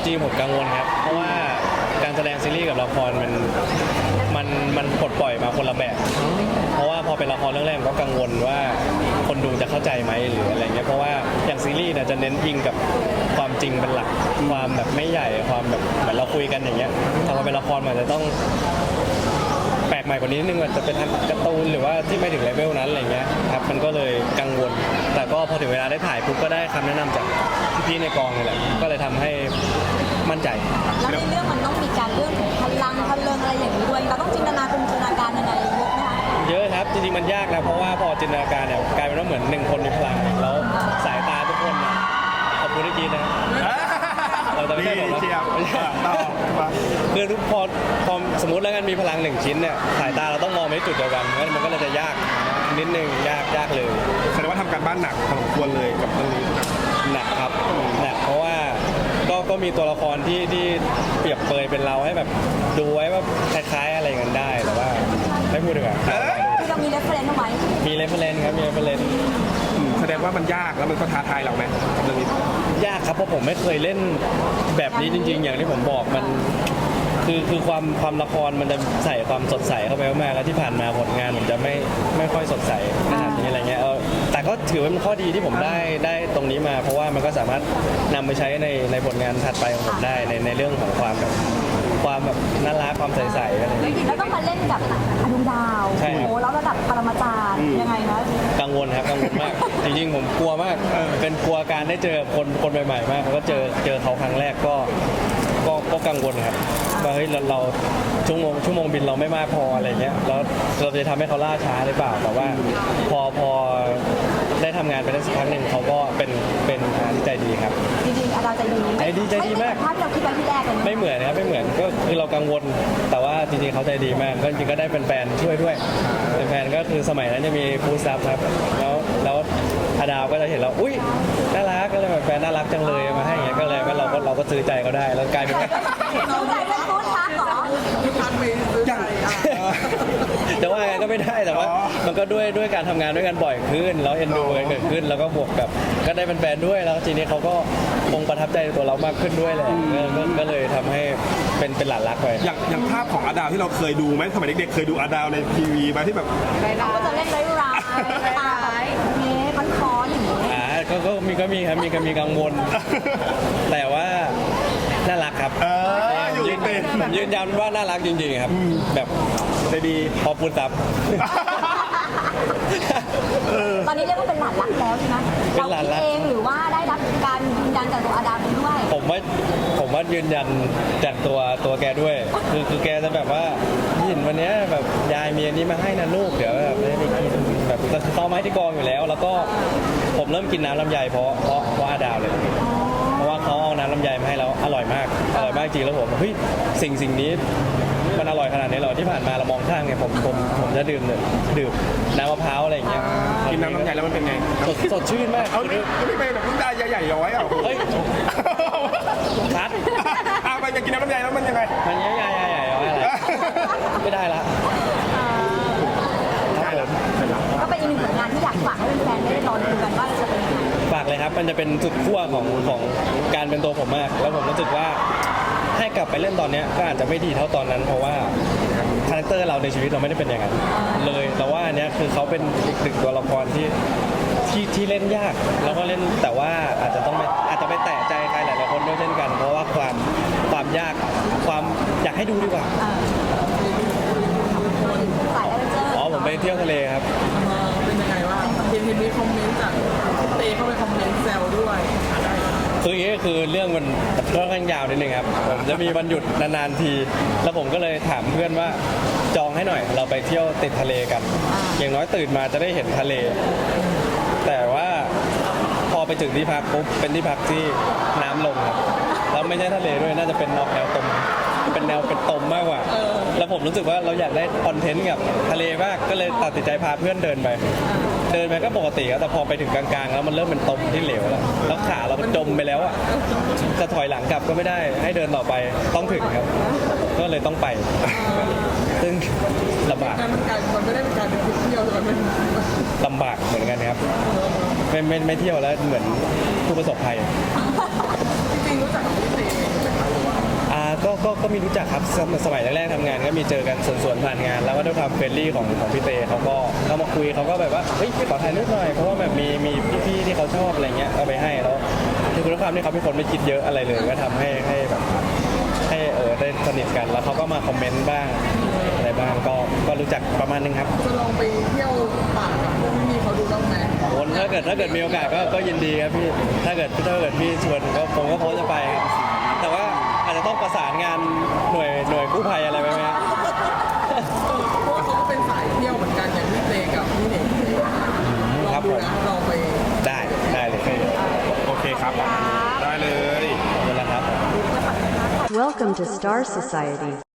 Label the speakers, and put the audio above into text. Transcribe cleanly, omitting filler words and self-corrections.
Speaker 1: จริงผมกังวลครับเพราะว่าการแสดงซีรีส์กับละครมันปลดปล่อยมาคนละแบบเพราะว่าพอเป็นละครเรื่องแรกก็กังวลว่าคนดูจะเข้าใจไหมหรืออะไรเงี้ยเพราะว่าอย่างซีรีส์เนี่ยจะเน้นอิงกับความจริงเป็นหลักความแบบไม่ใหญ่ความแบบเหมือนเราคุยกันอย่างเงี้ยแต่พอเป็นละครมันจะต้องแปลกใหม่กว่านี้นิดนึงอาจจะเป็นการ์ตูนหรือว่าที่ไม่ถึงเลเวลนั้นอะไรเงี้ยครับมันก็เลยกังวลแต่ก็พอถึงเวลาได้ถ่ายปุ๊บก็ได้คำแนะนำจากพี่ๆในกองนี่แหละก็เลยทำให้มั่นใจ
Speaker 2: แล้วในเรื่องมันต้องมีการเรื่องของพลังอะไรอย่างนี้ด้วยเราต้องจินตนาการยังไงเยอะไหมคะ
Speaker 1: เยอะครับจริงๆมันยากนะเพราะว่าพอจินตนาการเนี่ยกลายเป็นว่าเหมือนหนึ่งคนมีพลังแล้วสายตาทุกคนเนี่ยขอบคุณที่กินนะครับเราจะไม่ใช่ผมนะคือทุกพอสมมติแล้วกันมีพลังหนึ่งชิ้นเนี่ยสายตาเราต้องมองไปที่จุดเดียวกันงั้นมันก็เลยจะยากนิดนึงยากเลย
Speaker 3: แสดงว่าทำการบ้านหนักพอสมควรเลยกับเรื่องนี้
Speaker 1: หนักครับหนักเพราะว่าก็มีตัวละครที่เปรียบเปรยเป็นเราให้แบบดูไว้ว่าคล้ายๆอะไรกันได้แต่ว่าไม่พูดดีกว่า
Speaker 2: คือเรามีเรฟเฟรนซ์เอาไว้
Speaker 1: มีเรฟเฟรนซ์ครับมีเรฟเฟรนซ์
Speaker 3: แสดงว่ามันยากแล้วมันก็ท้าทายเราไหมกับเรื่องนี้
Speaker 1: ยากครับเพราะผมไม่เคยเล่นแบบนี้จริงๆอย่างที่ผมบอกมันคือความละครมันจะใส่ความสดใสเข้าไปมากแล้วที่ผ่านมาผลงานผมจะไม่ค่อยสดใสขนาดนี้อะไรเงี้ยแต่ก็ถือว่าเป็นข้อดีที่ผมได้ตรงนี้มาเพราะว่ามันก็สามารถนำไปใช้ในผลงานถัดไปของผมได้ในเรื่องของความแบบน่ารักความใสๆอะไร
Speaker 2: แล้วต้องมาเล่นกับอดุลดาวโอ้โหแล้วระดับปรมาจารย์ยังไงคะ
Speaker 1: กังวลครับกังวลมากจริงๆผมกลัวมากเป็นกลัวการได้เจอคนใหม่ๆมากแล้วก็เจอเขาครั้งแรกก็กังวลครับว่าเฮ้ยเราชั่วโมงบินเราไม่มากพออะไรเงี้ยแล้วเราจะทำให้เขาล่าช้าหรือเปล่าแต่ว่าพอได้ทำงานไปได้สักพักหนึ่งเขาก็เป็นที่ใจดีครับ
Speaker 2: จริงๆอาจารย์ใจดี
Speaker 1: มาก
Speaker 2: ภาพที่เราคิดไว้ที่แรกเลย
Speaker 1: ไม่เหมือนนะครับไม่เหมือนก็คือเรากังวลแต่ว่าจริงๆเขาใจดีมากก็จริงๆก็ได้เป็นแฟนช่วยด้วยเป็นแฟนก็คือสมัยนั้นจะมีฟูลซับครับแล้วอาดาวก็จะเห็นเราอุ้ยน่ารักก็เลยแบบแฟนน่ารักจังเลยมาให้อย่างเงี้ยก็เลยว่าเราก็ซื้อใจเขาได้แล้วกลายเป็น
Speaker 2: ซื้อใจเป็นฟู้ดทักเหรอ
Speaker 1: แต่ว่าไงก็ไม่ได้แต่ว่ามันก็ด้วยการทำงานด้วยกันบ่อยขึ้นแล้วเอ็นดูกันเกิดขึ้นแล้วก็บวกกับก็ได้เป็นแฟนด้วยแล้วทีนี้เขาก็คงประทับใจตัวเรามากขึ้นด้วยแหละก็เลยทำให้เป็นหลานรักไป
Speaker 3: อย่างภาพของอาดาวที่เราเคยดูไหมสมัยเด็กๆเคยดูอาดาวในทีวีไหมที่แบบ
Speaker 2: เราก็จะเล่นร้ายตามันคออย่างนี้
Speaker 1: ก็มีครับมีกังวลแต่ว่าน่ารักครับยืนยันว่าน่ารักจริงๆครับแบบ
Speaker 3: ใจดี
Speaker 1: พอพูดซับ
Speaker 2: ตอนนี้เรียกว่าเป็นหลานรักแล้วใช่ไหม
Speaker 1: เป็นหลานรัก
Speaker 2: เองหรือว่าได้รับการยืนยันจากตัวอาดามด้วย
Speaker 1: ผมว่ายืนยันจากตัวแกด้วยคือแกจะแบบว่าเห็นวันนี้แบบยายมีอันนี้มาให้นะลูกเดี๋ยวแบบได้กินแบบต้อไม้ที่กองอยู่แล้วแล้วก็ผมเริ่มกินน้ำลำไยเพราะอาดาวเลยเพราะว่าเขาเอาน้ำลำไยมาให้แล้วอร่อยมากจริงแล้วผมเฮ้ยสิ่งนี้มันอร่อยขนาดนี้เหรอที่ผ่านมาเรามองข้างไงผมจะดื่มน้ำมะพร้าวอะไรอย่างเงี้ย
Speaker 3: กินน้ำลำไยแล้วมันเป็นไง
Speaker 1: สดชื่นมาก
Speaker 3: เอานี่ไม่เป็นแบบน้ำตาใหญ่ๆย้อยอ่ะ
Speaker 1: เฮ้ยคัด
Speaker 3: ไปจะกินน้ำลำไยแล้วมันยังไง
Speaker 1: มันใหญ่ย้อยอะไรไม่ได้ละ
Speaker 2: ก็เป็นอีกหนึ่งผลงานที่อยากฝากให้แฟนๆได้รอดูกันว่าจะเป็นยังไง
Speaker 1: ฝากเลยครับมันจะเป็นจุดขั้วของการเป็นตัวผมมากแล้วผมรู้สึกว่าให้กลับไปเล่นตอนนี้ก็อาจจะไม่ดีเท่าตอนนั้นเพราะว่าคาแรคเตอร์เราในชีวิตเราไม่ได้เป็นอย่างนั้นเลยแต่ว่าอันนี้คือเขาเป็นอีกหนึ่งตัวละครที่เล่นยากแล้วก็เล่นแต่ว่าอาจจะไปแตะใจใครหลายๆคนด้วยเช่นกันเพราะว่าความยากความอยากให้ดูดีกว่าผมไปเที่ยวทะเลครับ
Speaker 4: เป็นยังไงว่าเห็นมีคอมเมนต์จากเตเข้าไปคอมเมนต์แซวด้วย
Speaker 1: คืออย่างนี้คือเรื่องมันค่อนข้างยาวนิดนึงครับผมจะมีวันหยุดนานๆทีแล้วผมก็เลยถามเพื่อนว่าจองให้หน่อยเราไปเที่ยวติดทะเลกันอย่างน้อยตื่นมาจะได้เห็นทะเลแต่ว่าพอไปถึงที่พักปุ๊บเป็นที่พักที่น้ำลงครับแล้วไม่ใช่ทะเลด้วยน่าจะเป็นแนวตมเป็นแนวเป็นตมมากกว่าแล้วผมรู้สึกว่าเราอยากได้คอนเทนต์กับทะเลมากก็เลยตัดสินใจพาเพื่อนเดินไปก็ปกติครับแต่พอไปถึงกลางๆแล้วมันเริ่มเป็นตมที่เหลวแล้วขาเราจมไปแล้วอ่ะจะถอยหลังกลับก็ไม่ได้ให้เดินต่อไปต้องถึงครับก็เลยต้องไปซึ่งลำบาก
Speaker 4: มันไม่ได้เป็นการเที่ยวแต่มัน
Speaker 1: ลำบากเหมือนกันครับไม่เที่ยวแล้วเหมือนผู้ประสบภัย
Speaker 4: จริงๆรู้จักพี่เต
Speaker 1: ก็มีรู้จักครับสมัยแรกๆทำงานก็มีเจอกันส่วนๆผ่านงาน แล้วก็ด้วยความเฟรนลี่ของพี่เตเขาก็เข้ามาคุยเขาก็แบบว่าเฮ้ยพี่ขอถ่ายรูปหน่อยเพราะว่าแบบมีพี่ๆที่เขาชอบอะไรเงี้ยเอาไปให้แล้วด้วยความที่เขาเป็นคนไม่คิดเยอะอะไรเลยก็ทำให้แบบให้ได้สนิทกันแล้วเขาก็มาคอมเมนต์บ้างอะไรบ้างก็รู้จักประมาณนึงครับ
Speaker 4: จะลองไปเที่ยวป่ากับพวกพี่เขาดูบ้างไหม
Speaker 1: วนถ้าเกิดมีโอกาสก็ยินดีครับพี่ถ้าเกิดพี่ชวนก็ผมก็พร้อมจะไปครับแต่ว่าอาจจะต้องประสานงานหน่วยกู้ภัยอะไรไหมครับ
Speaker 4: เพราะว่าเขาก็เป็นสายเที่ยวเหมือนกันอย่างพี่เตกับพี่เน่งลองดูนะลองไป
Speaker 1: ได้เลย
Speaker 3: โอเคครับ ได้เลย
Speaker 1: ขอบคุณแล้วครับ
Speaker 5: Welcome to Star Society.